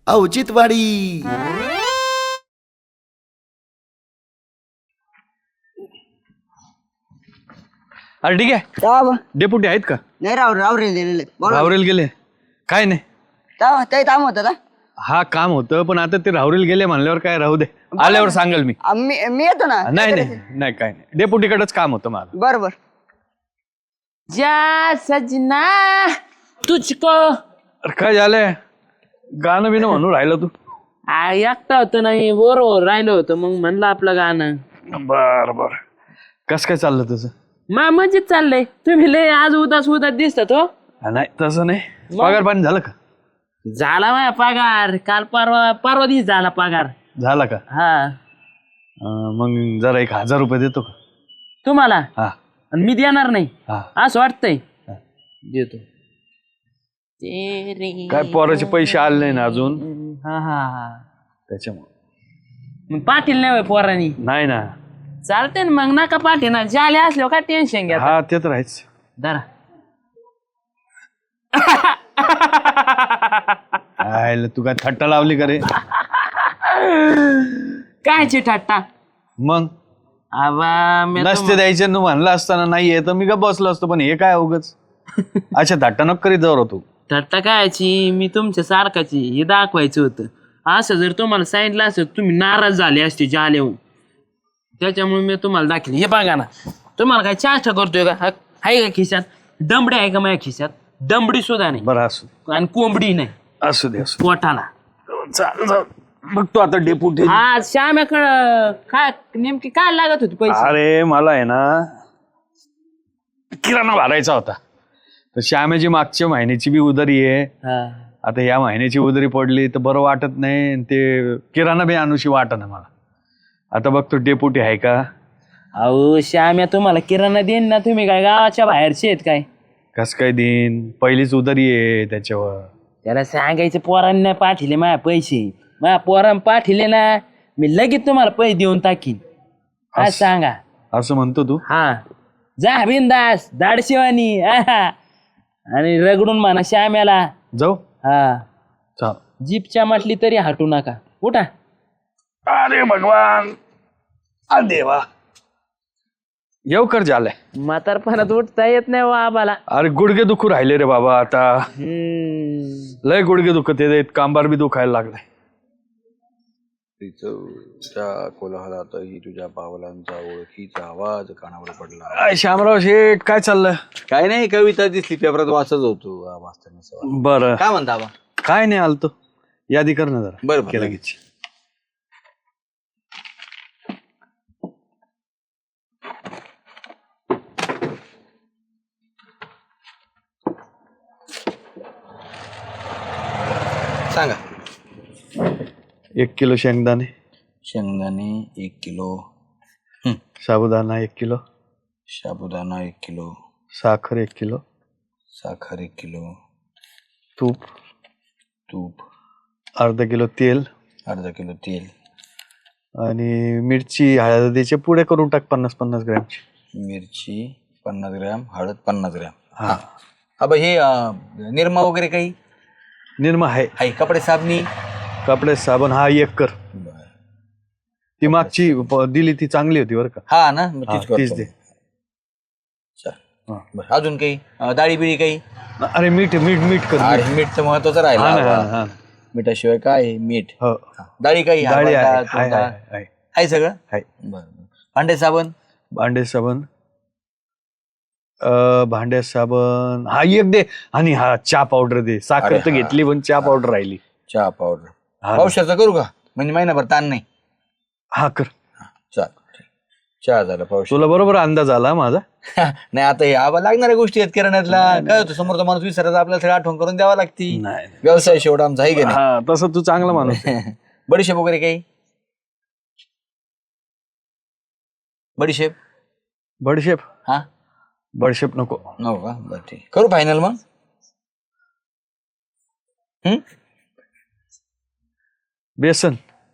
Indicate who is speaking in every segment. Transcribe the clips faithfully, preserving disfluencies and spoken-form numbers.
Speaker 1: औचित्यवाडी.
Speaker 2: अरे ठीक आहे.
Speaker 3: तेव्हा
Speaker 2: डेपुटी आहेत का?
Speaker 3: नाही राव रावरेल दिलेले
Speaker 2: राहुरेल गेले काय नाही.
Speaker 3: तेव्हा ते काम होतं का?
Speaker 2: हा काम होतं पण आता ते राहुरेल गेले म्हणल्यावर काय राहू दे, आल्यावर सांगेल मी.
Speaker 3: आ, मी मी येतो ना.
Speaker 2: नाही नाही नाही काय नाही, डेपुटीकडेच काम होतं माझं.
Speaker 3: बर बर.
Speaker 4: जा सजना तुझको.
Speaker 2: अरे काय झालंय, गाणं बिनं म्हणून राहिलं तू?
Speaker 4: आ, एकटा होतं नाही बरोबर राहिलं होतं मग म्हणलं आपलं गाणं.
Speaker 2: बर बर. कस काय चाललं तुझं?
Speaker 4: मा मजेत चाललंय. तुम्ही लय आज उदास उदास दिसतात हो.
Speaker 2: हा, नाही तसं नाही. पगार पाणी झालं का?
Speaker 4: झाला माझा पगार काल परवा परवा दिवस झाला पगार.
Speaker 2: झाला का?
Speaker 4: हा
Speaker 2: अं, मग जरा एक हजार रुपये देतो का?
Speaker 4: तुम्हाला
Speaker 2: हा
Speaker 4: आणि मी देणार नाही
Speaker 2: हा.
Speaker 4: असं वाटतंय.
Speaker 2: हा.
Speaker 4: देतो.
Speaker 2: काय पोराचे पैसे आले नाही ना अजून,
Speaker 4: हा हा हा
Speaker 2: त्याच्यामुळे.
Speaker 4: मग पाटील नाही होय पोरांनी.
Speaker 2: नाही ना.
Speaker 4: चालते ना मग नका पाटील ना जाले असल्यावर काय टेन्शन घ्या.
Speaker 2: हा ते तर आहेच.
Speaker 4: धरा.
Speaker 2: आयला तू काय थट्टा लावली का रे?
Speaker 4: कायची ठट्टा.
Speaker 2: मग
Speaker 4: आबा मी
Speaker 2: नसते द्यायचे न म्हणलं असताना नाहीये तर मी का बसलो असतो, पण हे काय उगच अच्छा थट्टा नको करीत जाऊ तू.
Speaker 4: ठट्टा कायची, मी तुमच्या सारखाची हे दाखवायचं होतं. असं जर तुम्हाला सांगितलं असं तुम्ही नाराज झाले असते जालेहून, त्याच्यामुळे मी तुम्हाला दाखवलं. हे बघा ना, तुम्हाला काय चाष्टा करतोय का? हा- आहे का खिशात दमडी? आहे का माझ्या खिशात दमडी सुद्धा नाही
Speaker 2: बरं असू
Speaker 4: आणि कोंबडी नाही
Speaker 2: असू दे असू
Speaker 4: पोटाला.
Speaker 2: चाल जाऊ बघ तू आता डेपुटी.
Speaker 4: हा श्याम्याकडं काय नेमकी काय लागत होती पैसे?
Speaker 2: अरे मला आहे ना किराणा भरायचा होता, तर श्यामेची मागच्या महिन्याची बी उधारी आहे.
Speaker 4: हा.
Speaker 2: आता या महिन्याची उधारी पडली तर बरं वाटत नाही, आणि ते किराणा बी आणूशी वाटत ना मला. आता बघ तो डेपुटी आहे का?
Speaker 4: अहो श्याम्या तुम्हाला किराणा देईन ना, तुम्ही काय गावाच्या बाहेरचे आहेत काय?
Speaker 2: कस काय देईन, पहिलीच उधारी आहे त्याच्यावर.
Speaker 4: त्याला सांगायचं पोरांना पाठिले माझ्या पैसे, माझ्या पोरांना पाठिले ना मी लगेच तुम्हाला पैसे देऊन टाकीन. काय
Speaker 2: असं-
Speaker 4: सांगा.
Speaker 2: असं म्हणतो तू?
Speaker 4: हा जा बिंदास दाडशिवानी आणि रगडून म्हणा श्याम्याला.
Speaker 2: जाऊ.
Speaker 4: हा
Speaker 2: चाल.
Speaker 4: जीपच्या म्हटली तरी हटू नका. उठा.
Speaker 2: अरे भगवान, आ देवा, येऊ कर झालंय.
Speaker 4: म्हातारपणात उठता येत नाही वा आबाला.
Speaker 2: अरे गुडघे दुखू राहिले रे बाबा आता,
Speaker 4: हम्म.
Speaker 2: लय गुडघे दुखत येत, कांबार बी दुखायला लागलाय.
Speaker 5: तिचा कोलाहलातही तुझ्या पावलांचा ओळखीचा आवाज कानावर पडला.
Speaker 2: काय शामराव शेठ, काय चाललं?
Speaker 5: काय नाही, कविता दिसली पेपरात वाचत होतो वाचताना.
Speaker 2: बरं
Speaker 5: काय म्हणता बा?
Speaker 2: काय नाही, आलतो. यादी कर ना जरा.
Speaker 5: बरं
Speaker 2: केलं लगेच.
Speaker 5: सांगा.
Speaker 2: एक किलो शेंगदाणे,
Speaker 5: शेंगदाणे एक किलो,
Speaker 2: साबुदाणा एक किलो,
Speaker 5: साबुदाणा एक किलो,
Speaker 2: साखर एक किलो,
Speaker 5: साखर एक किलो,
Speaker 2: तूप
Speaker 5: तूप
Speaker 2: अर्धा किलो, तेल
Speaker 5: अर्धा किलो तेल,
Speaker 2: आणि मिरची हळदीचे पुढे करून टाक पन्नास पन्नास ग्रॅमची.
Speaker 5: मिरची पन्नास ग्रॅम, हळद पन्नास ग्रॅम.
Speaker 2: हा.
Speaker 5: अबा हे अं, निरमा वगैरे काही
Speaker 2: निर्मा आहे.
Speaker 5: आहे? कपडे साबणी,
Speaker 2: कपडे साबण हा एक कर. ती मागची प- दिली ती चांगली होती बरं का.
Speaker 5: हा ना, मग
Speaker 2: हा,
Speaker 5: तीच करतो.
Speaker 2: तीच दे.
Speaker 5: चल.
Speaker 2: हा.
Speaker 5: बरं, अजून काही अं, डाळी बिळी काही?
Speaker 2: अरे मीठ मीठ मीठ कर.
Speaker 5: अरे
Speaker 2: मीठ.
Speaker 5: मीठ तर महत्वाचं
Speaker 2: हा ना, हा
Speaker 5: राहिलं.
Speaker 2: ना, हा ना.
Speaker 5: मिठाशिवाय काय आहे? मीठ.
Speaker 2: हो.
Speaker 5: हा. डाळी काही?
Speaker 2: डाळी
Speaker 5: हरभरा
Speaker 2: आहे,
Speaker 5: डाळ,
Speaker 2: आहे,
Speaker 5: तूर डाळ?
Speaker 2: आहे, आहे.
Speaker 5: आहे सगळं.
Speaker 2: आहे.
Speaker 5: बरं बरं. भांडे साबण?
Speaker 2: भांडे साबण, अ, भांड्या साबण हा एक दे, आणि हा चहा पावडर दे. साखर
Speaker 5: अरे
Speaker 2: तर
Speaker 5: हा.
Speaker 2: घेतली पण चहा पावडर राहिली.
Speaker 5: चहा पावडर.
Speaker 2: हा.
Speaker 5: पावसाचं करू का? म्हणजे महिनाभर ताण नाही.
Speaker 2: हा कर.
Speaker 5: चाल. चहा झाला. पाऊस
Speaker 2: तुला बरोबर अंदाज आला माझा.
Speaker 5: नाही, आता हे आबा लागणाऱ्या गोष्टी आहेत किराण्यातला. काय होतं, समोरचा माणूस विसरायचा, आपल्याला सगळं आठवण करून द्यावा लागती.
Speaker 2: नाही.
Speaker 5: व्यवसाय शेवट आमचा आहे की नाही.
Speaker 2: हा तसं तू चांगला माणूस आहे.
Speaker 5: बडीशेप वगैरे काही? बडीशेप?
Speaker 2: बडशेप
Speaker 5: हा
Speaker 2: बडशेप नको.
Speaker 5: नको का? बरं ठीक. करू फायनल मग. हम्म
Speaker 2: बेसन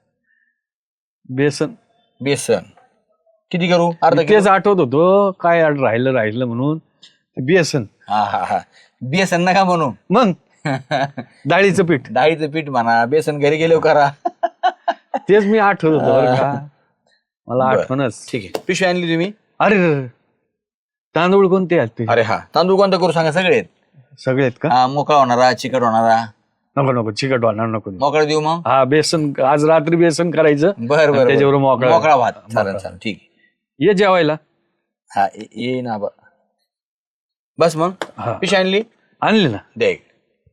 Speaker 2: बेसन
Speaker 5: बेसन किती करू? अर्धा
Speaker 2: तेच
Speaker 5: किलो?
Speaker 2: आठवत होतो काय राहिलं राहिलं म्हणून. बेसन.
Speaker 5: हा हा हा बेसन नका म्हणू.
Speaker 2: मग डाळीचं पीठ
Speaker 5: डाळीचं पीठ म्हणा, बेसन घरी गेलो करा.
Speaker 2: तेच मी आठवत होतो बरं का, मला
Speaker 5: बरं.
Speaker 2: आठवणच.
Speaker 5: ठीक आहे, पिशवी आणली तुम्ही?
Speaker 2: अरे रे रे. तांदूळ कोणते आहेत ते?
Speaker 5: अरे हा, तांदूळ कोणता करू सांगा? सगळे आहेत.
Speaker 2: सगळे आहेत का?
Speaker 5: हा, मोकळा होणारा, चिकट होणारा.
Speaker 2: नको नको चिकट वाढणार नको.
Speaker 5: मोकळा देऊ मग?
Speaker 2: हा बेसन, आज रात्री बेसन करायचं.
Speaker 5: बर बर,
Speaker 2: त्याच्यावर मोकळा
Speaker 5: मोकळा भात. चालेल चालेल, ठीक आहे.
Speaker 2: ये जेवायला.
Speaker 5: हा ये ये ना बा. बस मग
Speaker 2: हा.
Speaker 5: पिशवी आणली?
Speaker 2: आणली ना.
Speaker 5: दे एक.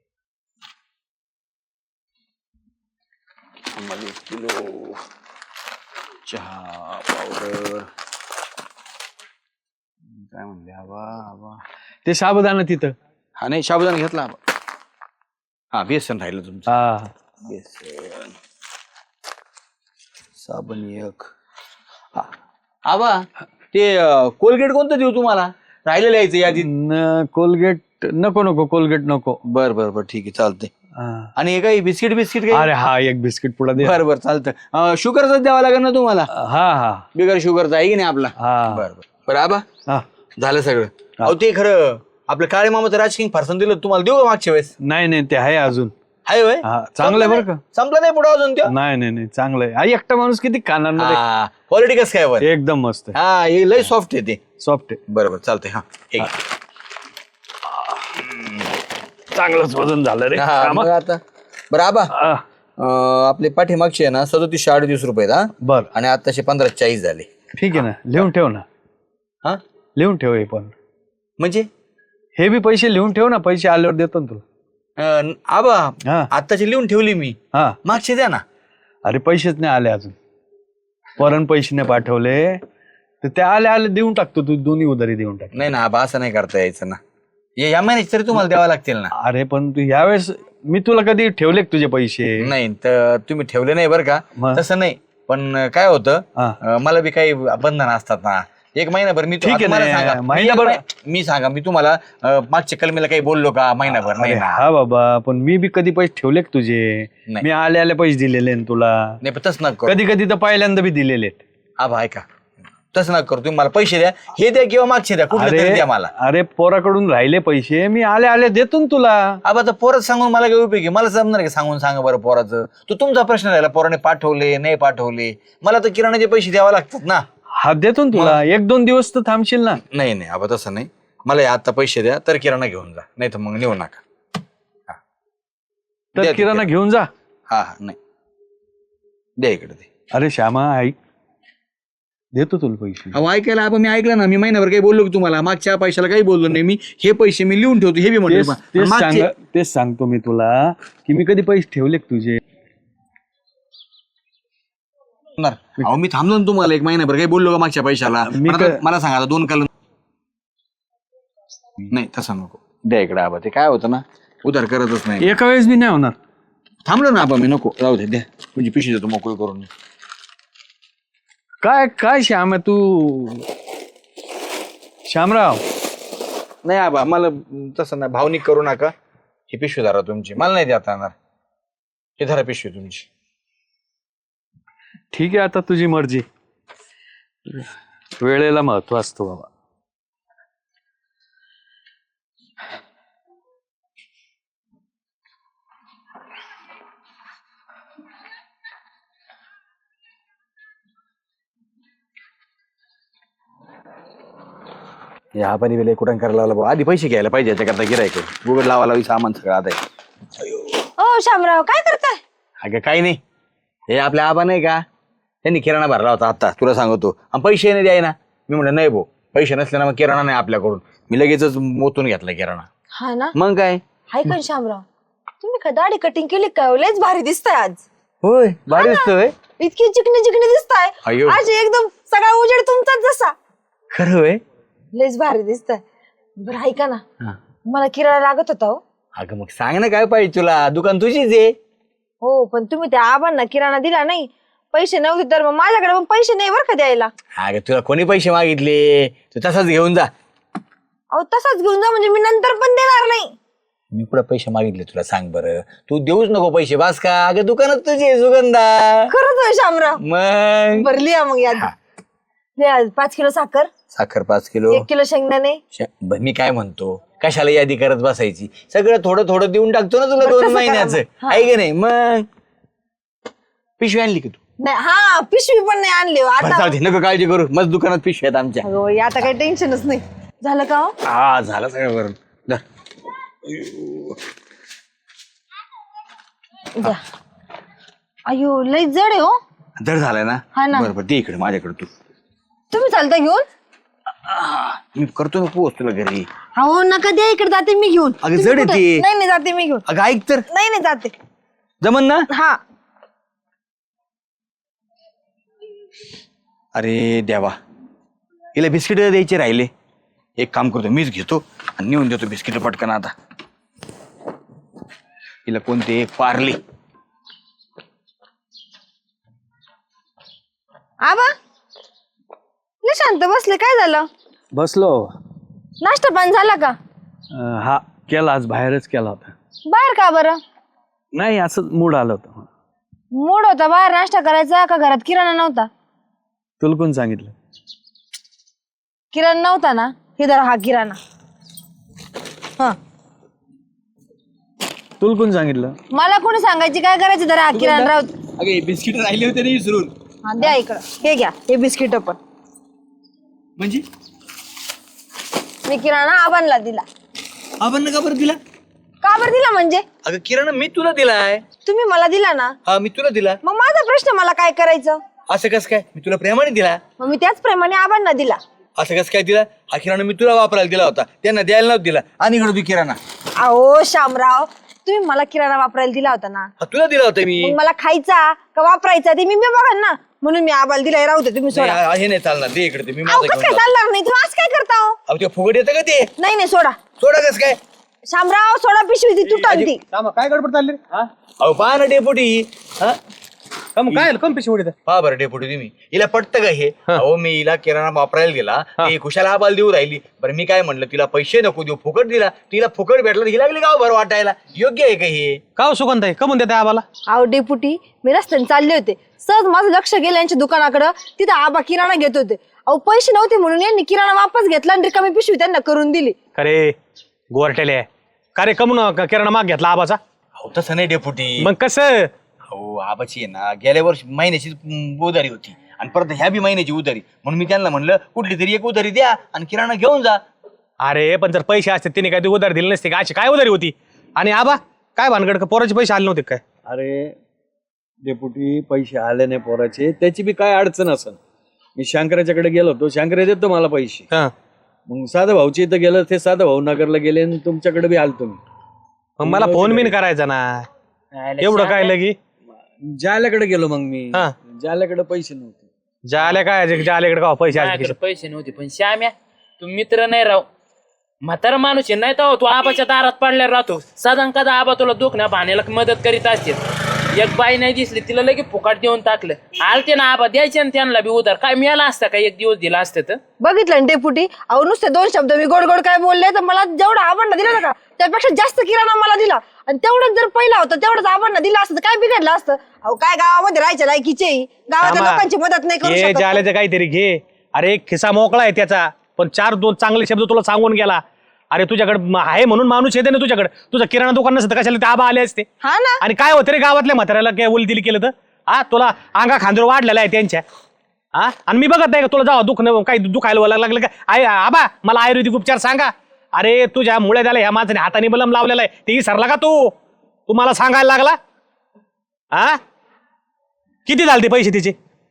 Speaker 5: चहा पावडर काय म्हणले, हवा हवा.
Speaker 2: ते साबुदाणा तिथं.
Speaker 5: हा नाही, साबुदाणा घेतला. हा बेसन राहिलं तुमचं.
Speaker 2: हा
Speaker 5: बेसन, साबण एक. हा. आबा ते कोलगेट कोणतं देऊ तुम्हाला? राहिलेलं यायचं यादीत.
Speaker 2: न कोलगेट नको नको, कोलगेट नको.
Speaker 5: बर बर बर, ठीक आहे, चालतंय.
Speaker 2: हा.
Speaker 5: आणि हे काही बिस्किट बिस्किट काही?
Speaker 2: अरे हा एक बिस्किट पुडा दे.
Speaker 5: बर बर, चालतं. शुगरच द्यावा लागेल ना तुम्हाला?
Speaker 2: हा हा
Speaker 5: बिगर शुगरचा आहे की नाही आपला?
Speaker 2: हा.
Speaker 5: बर बर बर. आबा
Speaker 2: हा.
Speaker 5: झालं सगळं. अहो ते खरं आपलं काळे मामाचं राजकिंग फारसन दिलं तुम्हाला, देऊ का मागच्या वेळेस?
Speaker 2: नाही नाही ते आहे अजून.
Speaker 5: हाय होय?
Speaker 2: हा चांगलं आहे बरं का.
Speaker 5: संपलं नाही पुढे अजून ते?
Speaker 2: नाही नाही नाही चांगलं आहे. हा एकटा माणूस किती खाणार ना
Speaker 5: हा, क्वालिटी कसं काय वर?
Speaker 2: ते? एकदम मस्त आहे,
Speaker 5: हा, हे लय सॉफ्ट आहे ते.
Speaker 2: सॉफ्ट आहे.
Speaker 5: बरोबर, चालतंय. हा हे घे.
Speaker 2: चांगलंच वजन झालं रे.
Speaker 5: हा, मग आता बरं आबा,
Speaker 2: हा.
Speaker 5: अं, आपले पाठीमागचे आहे ना सदोतीसशे अडतीस रुपये हा,
Speaker 2: बर
Speaker 5: आणि आताशे पंधरा चाळीस झाले.
Speaker 2: ठीक आहे ना, लिहून ठेव ना.
Speaker 5: हा
Speaker 2: लिहून ठेव हे पण.
Speaker 5: म्हणजे
Speaker 2: हे बी पैसे लिहून ठेव ना, पैसे आल्यावर देतो ना तुला.
Speaker 5: अं, आबा
Speaker 2: हा
Speaker 5: आताची लिहून ठेवली मी,
Speaker 2: हा.
Speaker 5: मागचे द्या ना.
Speaker 2: अरे पैसेच नाही आले अजून, परण पैसे नाही पाठवले तर ते आले आले देऊन टाकतो. तू दोन्ही उधारी देऊन टाक.
Speaker 5: नाही ना आबा, असं नाही करता यायचं ना. हे या महिन्याचे तरी तुम्हाला द्यावा लागतील ना.
Speaker 2: अरे पण तू यावेळेस मी तुला कधी ठेवले का तुझे पैसे?
Speaker 5: नाही तर तुम्ही ठेवले नाही बरं का,
Speaker 2: मग?
Speaker 5: तसं नाही. पण काय होतं,
Speaker 2: हा.
Speaker 5: अं, मला बी काही बंधन असतात ना. एक महिनाभर मी
Speaker 2: ठीक आहे
Speaker 5: आता मला
Speaker 2: ना,
Speaker 5: सांगा, मी
Speaker 2: महिनाभर-
Speaker 5: एक महि- मी सांगा मी तुम्हाला अं, मागच्या कलमीला काही बोललो का? महिनाभर नाही
Speaker 2: अरे
Speaker 5: ना.
Speaker 2: हा बाबा, पण मी बी कधी पैसे ठेवले का तुझे?
Speaker 5: नाही.
Speaker 2: मी आले आले पैसे दिलेले ना तुला.
Speaker 5: नाही पण तसं नका करू.
Speaker 2: कधी कधी तर पहिल्यांदा बी दिलेले.
Speaker 5: आबा ऐका, तसं नका करू. तुम्ही मला पैसे द्या, हे द्या किंवा मागचे द्या, कुठले तरी
Speaker 2: अरे
Speaker 5: द्या मला.
Speaker 2: अरे पोराकडून राहिले पैसे, मी आले आले देतो ना तुला.
Speaker 5: आबा तर पोरात सांगून मला काय उपयोग आहे? मला जमणार आहे का सांगून? सांगा बरं पोराचं. तो तुमचा प्रश्न राहिला, पोराने पाठवले नाही पाठवले, मला तर किराणाचे पैसे द्यावे लागतात ना.
Speaker 2: हा देतो ना तुला, एक दोन दिवस तर थांबशील ना.
Speaker 5: नाही नाही आबा, तसं नाही. मला आता पैसे द्या, तर किराणा घेऊन जा, नाही तर मग नेऊ नका. हा. द्या
Speaker 2: तर
Speaker 5: ते
Speaker 2: किराणा घेऊन जा.
Speaker 5: हा हा, नाही द्या इकडे ते.
Speaker 2: अरे श्यामा ऐक, देतो तुला पैसे.
Speaker 5: अहो ऐकायला आबा, मी ऐकलं ना. मी महिनाभर काही बोललो की तुम्हाला? मागच्या पैशाला काही बोललो नाही मी. हे पैसे मी लिहून ठेवतो, हे बी
Speaker 2: तेच
Speaker 5: म्हणतो.
Speaker 2: तेच
Speaker 5: मागचे
Speaker 2: सांग तेच सांगतो मी तुला की मी कधी पैसे ठेवले का तुझे?
Speaker 5: होणार. अहो मी थांबलो ना तुम्हाला एक महिनाभर, काही बोललो का मागच्या पैशाला?
Speaker 2: मी
Speaker 5: पण आता
Speaker 2: क-
Speaker 5: मला सांगा, आता दोन काल नाही, तसं नको. द्या इकडे आबा, ते काय होतं ना, उधार करतच नाही.
Speaker 2: एका वेळेस बी नाही होणार.
Speaker 5: थांबलो ना आबा मी, नको राहू दे, द्या. म्हणजे पिशवी देतो मोकळी करून.
Speaker 2: काय काय श्याम आहे तू? श्यामराव
Speaker 5: नाही आबा, मला तसं नाही, भावनिक करू नका. ही पिशवी धरा तुमची, मला नाही देता येणार. हे धरा पिशवी तुमची.
Speaker 2: ठीक आहे, आता तुझी मर्जी. वेळेला महत्व असतो बाबा.
Speaker 5: या पाणी वेळे कुठं करायला लावला भाऊ. आधी पैसे घ्यायला पाहिजे याच्याकरता, गिरायक गुगल लावा लावी सामान सगळं आता आहे.
Speaker 1: ओ शामराव, काय करताय?
Speaker 5: अगं काही नाही, हे आपल्या आबा नाही का, त्यांनी किराणा भरला होता आता, तुला सांगतो. आणि पैसे नाही द्याय ना. मी म्हणलं नाही भाऊ, पैसे नसले ना मग किराणा नाही आपल्याकडून. मी लगेचच मोतून घेतला किराणा.
Speaker 1: हा ना,
Speaker 5: मग काय?
Speaker 1: हाय का शामराव? तुम्ही का दाढी कटिंग केली काय? लयच भारी दिसताय आज.
Speaker 5: होय, भारी दिसतोय.
Speaker 1: इतकी चिकनी चिकनी दिसताय
Speaker 5: अय्यो.
Speaker 1: आज, एकदम सगळा उजेड तुमचाच जसा.
Speaker 5: खरं होय.
Speaker 1: लयच भारी दिसताय. बरं ऐका ना,
Speaker 5: हा.
Speaker 1: मला किराणा लागत होता हो.
Speaker 5: अगं मग सांग ना, काय पाहिजे तुला? दुकान तुझीच आहे.
Speaker 1: हो, पण तुम्ही त्या आबांना किराणा दिला नाही, पैसे नव्हते तर मग माझ्याकडे पण पैसे नाही बरं का द्यायला.
Speaker 5: अगं तुला कोणी पैसे मागितले? तू तसाच घेऊन जा.
Speaker 1: अहो तसाच घेऊन जा म्हणजे मी नंतर पण देणार नाही.
Speaker 5: मी कुठं पैसे मागितले तुला? सांग बरं. तू देऊच नको पैसे, बास का? अगं दुकानात तुझी आहे, सुगंधा.
Speaker 1: खरंच होय शामराव?
Speaker 5: मग
Speaker 1: बरं लिहा मग याद. लिहा, पाच किलो साखर,
Speaker 5: साखर पाच किलो.
Speaker 1: एक किलो शेंगदाणे.
Speaker 5: श- ब- मी काय म्हणतो, कशाला यादी करत बसायची, सगळं थोडं थोडं देऊन टाकतो ना तुला दोन
Speaker 1: तसं करा
Speaker 5: महिन्याचं,
Speaker 1: मग.
Speaker 5: आहे की नाही? मग पिशवी आणली की तू?
Speaker 1: नाही हा पिशवी पण नाही आणली हो.
Speaker 5: बरं,
Speaker 1: आता
Speaker 5: जाऊ दे, नको काळजी करू, मस्त दुकानात पिशवी आहेत आमच्या.
Speaker 1: अगं बाई, आता काही टेन्शनच नाही झालं का हो?
Speaker 5: हा झालं सगळं बरं. धर.
Speaker 1: द्या. अयो लई जड आहे हो.
Speaker 5: धर झालंय ना?
Speaker 1: हा ना.
Speaker 5: बरं बरं, दे इकडे माझ्याकडे तू.
Speaker 1: तुम्ही चालता घेऊन?
Speaker 5: मी करतो ना पोहोच तुला घरी.
Speaker 1: हो नका द्या, इकडे जाते मी घेऊन.
Speaker 5: अगं,
Speaker 1: तुम्ही
Speaker 5: जड आहे
Speaker 1: कुठं?
Speaker 5: ते.
Speaker 1: नाही नाही जाते मी घेऊन.
Speaker 5: अगं ऐक तर,
Speaker 1: नाही नाही जाते.
Speaker 5: जमन ना?
Speaker 1: हा
Speaker 5: अरे देवा, हिला बिस्किट द्यायचे राहिले. एक काम करतो, मीच घेतो आणि नेऊन देतो बिस्किट पटकन. आता हिला कोणते? एक पार्ले.
Speaker 1: आबा लय शांत बसले, काय झालं?
Speaker 2: बसलो.
Speaker 1: नाश्ता पाणी झाला का?
Speaker 2: अं, हा केला, आज बाहेरच केला होता.
Speaker 1: बाहेर का बरं?
Speaker 2: नाही असं मूड आलं होतं.
Speaker 1: मूड होता बाहेर नाश्ता करायचा का घरात किराणा नव्हता?
Speaker 2: तुला कोण सांगितलं?
Speaker 1: किराणा नव्हता ना, हे जरा हा किराणा. हा
Speaker 2: तुला कोण सांगितलं?
Speaker 1: मला कोणी सांगायची काय करायची, जरा हा किराणा राहू.
Speaker 5: अगे बिस्किट राहिले होते ना विसरून.
Speaker 1: हा द्या इकडं, हे घ्या हे बिस्किट पण.
Speaker 5: म्हणजे
Speaker 1: मी किराणा आबांना दिला.
Speaker 5: आपण का बरं दिला?
Speaker 1: का बरं दिला म्हणजे?
Speaker 5: अगं किराणा मी तुला दिलाय.
Speaker 1: तुम्ही मला दिला ना,
Speaker 5: हा मी तुला दिला.
Speaker 1: मग माझा प्रश्न मला काय करायचं?
Speaker 5: असं कस काय? मी तुला प्रेमाने दिला.
Speaker 1: मग मी त्याचप्रमाणे आबांना दिला.
Speaker 5: असं कस काय दिला? हा किराणा मी तुला वापरायला दिला होता, त्यांना द्यायला नव्हता दिला. आणि इकडे तू किराणा.
Speaker 1: अहो शामराव, तुम्ही मला किराणा वापरायला दिला होता ना,
Speaker 5: हा तुला दिला होता मी.
Speaker 1: मग मला खायचा का वापरायचा ते मी मी बघा ना, म्हणून मी आबाला दिला. राहू दे तुम्ही सोडा.
Speaker 5: नाही, हे नाही चालणार, दे इकडे ते मी
Speaker 1: अहो
Speaker 5: माझं
Speaker 1: कसं
Speaker 5: घेऊन
Speaker 1: काय
Speaker 5: जातो.
Speaker 1: चालणार नाही, तुम्ही असं काय करता हो?
Speaker 5: अहो ते फुगड येतं का ते?
Speaker 1: नाही नाही सोडा.
Speaker 5: सोडा कस काय?
Speaker 1: शामराव सोडा, पिशवी ती तुटाल ती.
Speaker 2: काय गडबड चालली?
Speaker 5: अहो पहा ना डेपुटी. हा
Speaker 2: काय कम पिशवी?
Speaker 5: पहा बरं डेपुटी तुम्ही, हिला पटतं का हे? अहो मी हिला किराणा वापरायला गेला, ती खुशाला आबाल देऊ राहिली. बरं मी काय म्हणलं, तिला पैसे नको देऊ, फुकट दिला. तिला फुकट भेटला, ही लागली गाव बरं वाटायला. योग्य आहे का हे?
Speaker 2: का सुगंध आहे? कमून देते आबाला?
Speaker 1: अहो डेपुटी, मी रस्त्याने चालले होते, सहज माझं लक्ष गेलं यांच्या दुकानाकडं. तिथं आबा किराणा घेत होते. अहो पैसे नव्हते म्हणून यांनी किराणा वापस घेतला आणि रिकामी पिशवी त्यांना करून दिली.
Speaker 6: अरे गोरटेले, का रे कमून किराणा माग घेतला आबाचा?
Speaker 5: अहो तसं नाही डेपुटी.
Speaker 6: मग कसं?
Speaker 5: अहो आबाची आहे ना, गेल्या वर्षी महिन्याची उधारी होती आणि परत ह्या बी महिन्याची उधारी, म्हणून मी त्यांना म्हणलं कुठली तरी एक उधारी द्या आणि किराणा घेऊन जा.
Speaker 6: अरे पण जर पैसे असते तिने काय ती उधारी दिली नसते का? अशी काय उधारी होती? आणि आबा काय भानगड, का पोराचे पैसे आले नव्हते काय?
Speaker 2: अरे डेपुटी, पैसे आले नाही पोराचे, त्याची बी काय अडचण असेल. मी शंकराच्याकडे गेलो होतो, शंकरा देतो मला पैसे.
Speaker 6: हा,
Speaker 2: मग साधा भाऊची इथं गेलं, ते साधा भाऊ नगरला गेले आणि तुमच्याकडे बी आलो तुम्ही.
Speaker 6: मग मला फोन बिन करायचा ना, एवढं काय लगी?
Speaker 2: जाल्याकडे गेलो मग मी.
Speaker 6: हा.
Speaker 2: जाल्याकडे पैसे नव्हते.
Speaker 6: जाले काय जालेकडे का पैसे आले
Speaker 4: माझ्याकडे पैसे नव्हते, पण श्याम्या तू मित्र नाही राव, म्हातारा माणूस आहे नाही तर तू आबाच्या दारात पडल्यावर राहतो. साधारण कदा आबा तुला दुखण्या भाण्याला मदत करीत असते. एक बाई नाही दिसली, तिला लगे फुकाट देऊन टाकलं. आलते ना आबा, द्यायचे ना त्यांना बी उधार. काय मिळाला असता का एक दिवस दिला असतं तर?
Speaker 1: बघितलं ना डेपुटी, अहो नुसते दोन शब्द मी गोड गोड काय बोलले, तर मला जेवढा आबांना दिला ना का त्यापेक्षा जास्त किराणा मला दिला. आणि तेवढंच जर पहिला होता तेवढंच आबांना दिला असतं, काय बिघडलं असतं? अहो काय गावामध्ये राहायच्या लायकीचे, गावाच्या लोकांची मदत नाही करू
Speaker 6: हे
Speaker 1: शकत.
Speaker 6: जाल्याचं काहीतरी घे. अरे एक खिसा मोकळा आहे त्याचा, पण चार दोन चांगले शब्द तुला सांगून गेला. अरे तुझ्याकडे आहे म्हणून माणूस येते ना तुझ्याकडे. तुझं किराणा दुकान नसतं कशाला ते आबा आले असते?
Speaker 1: हा ना.
Speaker 6: आणि काय होतं रे गावातल्या म्हाताऱ्याला काय उल दिली केलं तर? हा तुला अंगा खांदर वाढलेला आहे त्यांच्या. हा आणि मी बघत नाही का तुला जावं दुख काही दुखायला लागलं का? आय आबा मला आयुर्वेदिक उपचार सांगा. अरे तुझ्या मुळे झाला ह्या माणसाने हाताने बलम लावलेला आहे, ते सरला का तू? तू मला सांगायला लागला? हा किती झाले ते पैसे तिचे?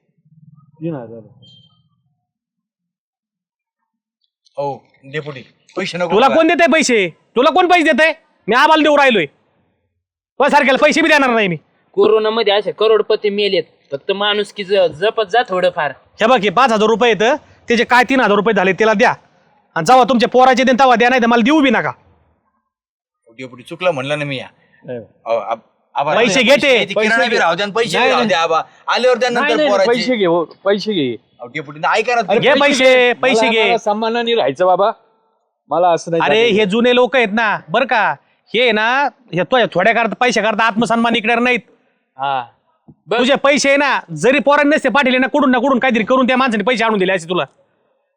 Speaker 5: हो डेपुटी, पैसे नको.
Speaker 6: तुला कोण देते पैसे? तुला कोण पैसे देते? मी आबाला देऊ राहिलोय. तुला सारख्याला पैसे बी देणार नाही मी.
Speaker 4: कोरोनामध्ये असे करोडपती मेलेत, फक्त माणूस की जपत जा थोडंफार.
Speaker 6: हे बघ हे पाच हजार रुपये येतं, त्याचे काय तीन हजार रुपये झाले त्याला द्या. आणि जेव्हा तुमच्या पोराचे देन तेव्हा द्या, नाही तर मला देऊ बी नका.
Speaker 5: डेपुटी चुकलं म्हणलं ना मी. या अहो, आब- आबा,
Speaker 6: पैसे घे ते.
Speaker 5: किराणा बी राहू द्या आणि पैसे बी राहू द्या. आबा आल्यावर त्यानंतर पोराचे.
Speaker 2: पैसे घे हो, पैसे घे.
Speaker 5: अहो, डेपुटी ऐका ना.
Speaker 6: घे पैसे, पैसे
Speaker 2: मला-
Speaker 6: घे.
Speaker 2: मला सन्मानाने राहायचं बाबा, मला असं नाही.
Speaker 6: अरे हे जुने लोक आहेत ना बरं का, हे ना हे तो थोड्या करता पैसे करता आत्मसन्मान इकडे नाहीत.
Speaker 4: हा
Speaker 6: तुझे पैसे आहे ना, जरी पोरांनी नसते पाठवले ना कुठून ना कुठून काहीतरी करून त्या माणसाने पैसे आणून दिले असे तुला.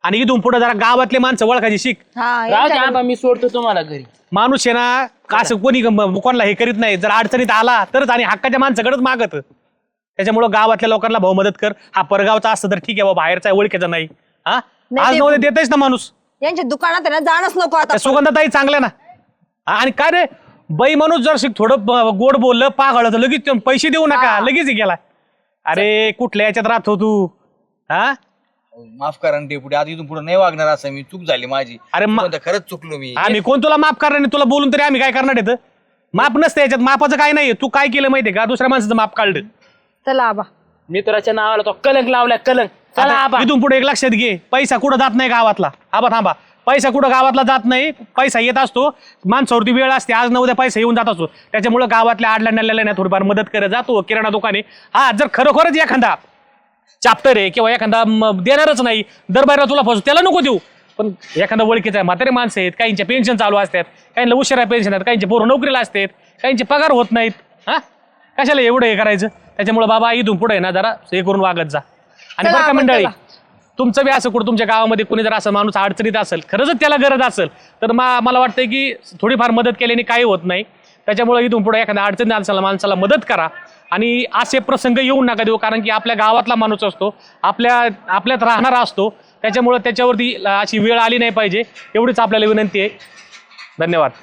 Speaker 6: आणि इथून पुढे जरा गावातले माणसं ओळखायची शिक.
Speaker 1: हा
Speaker 4: राहू द्या
Speaker 1: यांच्याकडे-
Speaker 4: आबा, मी सोडतो तुम्हाला घरी.
Speaker 6: माणूस आहे ना असं कोणी ग- कोणाला हे करीत नाही. जर अडचणीत आला तरच आणि हक्काच्या माणसाकडेच मागत. त्याच्यामुळं गावातल्या लोकांना भाऊ मदत कर. हा परगावचा असतं तर ठीक आहे बाबा, बाहेरचा आहे, ओळखीचा नाही. हा
Speaker 1: नाही,
Speaker 6: आज
Speaker 1: ते-
Speaker 6: नव्हते देतेच ना माणूस.
Speaker 1: यांच्या दुकानात आहे ना जाणंच नको आता.
Speaker 6: त्या सुगंधाताई चांगल्या ना. हा, आणि काय रे बाई माणूस जर शिक थोडं ब- गोड बोललं पागळ तर लगेच ते पैसे देऊ नका, लगेच हे गेला. अरे कुठल्या याच्यात राहतो तू? हा
Speaker 5: माफ करा ना डेपुटी, आता इथून पुढे नाही वागणार असं मी. चूक झाली माझी.
Speaker 6: अरे मा-
Speaker 5: पण खरंच चुकलो मी.
Speaker 6: आम्ही कोण तुला माफ करणार नाही? तुला बोलून तरी आम्ही काय करणार येतं? माफ नसतं याच्यात. मापाचं काय नाहीये. तू काय केलं माहितीये का? दुसऱ्या माणसाचं माफ काढलं.
Speaker 1: चला आबा.
Speaker 4: मित्राच्या नावाला तो कलंक लावलाय, कलंक. चला
Speaker 6: आता
Speaker 4: आबा.
Speaker 6: इथून पुढे एक लक्षात घे, पैसा कुठं जात नाही गावातला. आबा थांबा, पैसा कुठं गावातला जात नाही. पैसा येत असतो, माणसावरती वेळ असते. आज न उद्या पैसा येऊन जात असतो. त्याच्यामुळे गावातल्या आडल्या नल्ल्याला नाही थोडीफार मदत करत जातो. किराणा दुकाने हा जर खरोखरच एखादा चाप्टर आहे किंवा एखादा म, देणारच नाही, दरबारा तुला फसू, त्याला नको देऊ. पण एखादा ओळखीचा आहे, म्हातारे माणसं आहेत, काहींचे पेन्शन चालू असतात, काहींना उशिरा पेन्शन आहेत, काहींचे पोरं नोकरीला असतात, काहींचे पगार होत नाहीत. हा कशाला एवढं हे करायचं? त्याच्यामुळे बाबा इथून पुढे ना जरा हे करून वागत जा. आणि
Speaker 1: चला
Speaker 6: बरं का
Speaker 1: आपण
Speaker 6: मंडळी,
Speaker 1: चला.
Speaker 6: तुमचं बी असं कुठं तुमच्या गावामध्ये कुणी जर असं माणूस अडचणीत असेल, खरंच त्याला गरज असेल, तर मा मला वाटतं की थोडीफार मदत केल्याने काही होत नाही. त्याच्यामुळे इथून पुढे एखाद्या अडचणीत माणसाला माणसाला मदत करा. आणि असे प्रसंग येऊ नका देऊ, कारण की आपल्या गावातला माणूस असतो, आपल्या आपल्यात राहणारा असतो. त्याच्यामुळे त्याच्यावरती अशी वेळ आली नाही पाहिजे, एवढीच आपल्याला विनंती आहे. धन्यवाद.